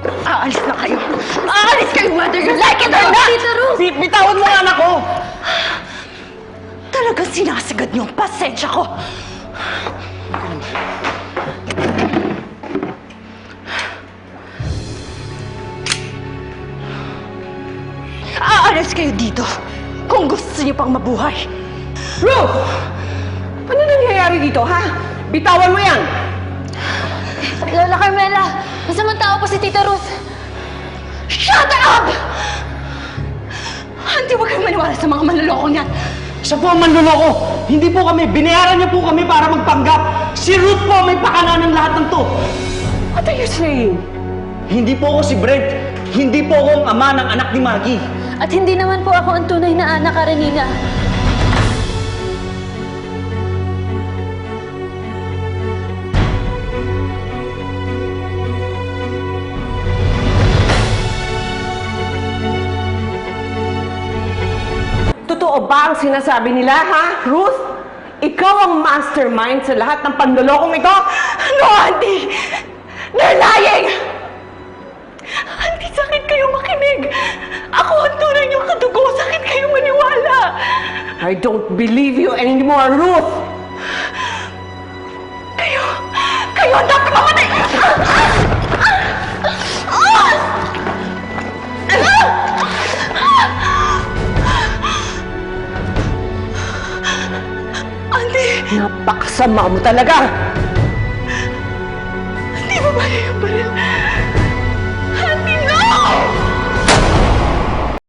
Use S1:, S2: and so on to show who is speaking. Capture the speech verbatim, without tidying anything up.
S1: Aalis na kayo! Aalis kayo whether you like it or not!
S2: Tita Ruth!
S3: Bi- bitawan mo ang anak ko!
S1: Talagang sinasagad niyo ang pasensya ko! Aalis kayo dito kung gusto niyo pang mabuhay!
S3: Ruth! Ano nangyayari dito, ha? Bitawan mo yan!
S2: Lola Carmela! Masamang tao pa si Tita Ruth!
S1: Shut up! Hindi, huwag kayong maniwala sa mga manloloko niyan!
S3: Siya po ang manluloko! Hindi po kami! Binayaran niya po kami para magpanggap! Si Ruth po ang may pakana ng lahat ng to! What are you saying? Hindi po ako si Brent. Hindi po ako ang ama ng anak ni Maggie.
S2: At hindi naman po ako ang tunay na anak, Karenina.
S4: Totoo ba ang sinasabi nila, ha? Ruth, ikaw ang mastermind sa lahat ng panlolokong ito?
S1: No, Auntie! They're lying! Auntie, sakit kayo makinig! Ako ang tunay niyong kadugo! Sakit kayo maniwala!
S4: I don't believe you anymore, Ruth!
S1: Kayo! Kayo ang dapat mamatay! Auntie!
S4: Napakasama mo talaga!
S1: Hindi ba ba yung baril?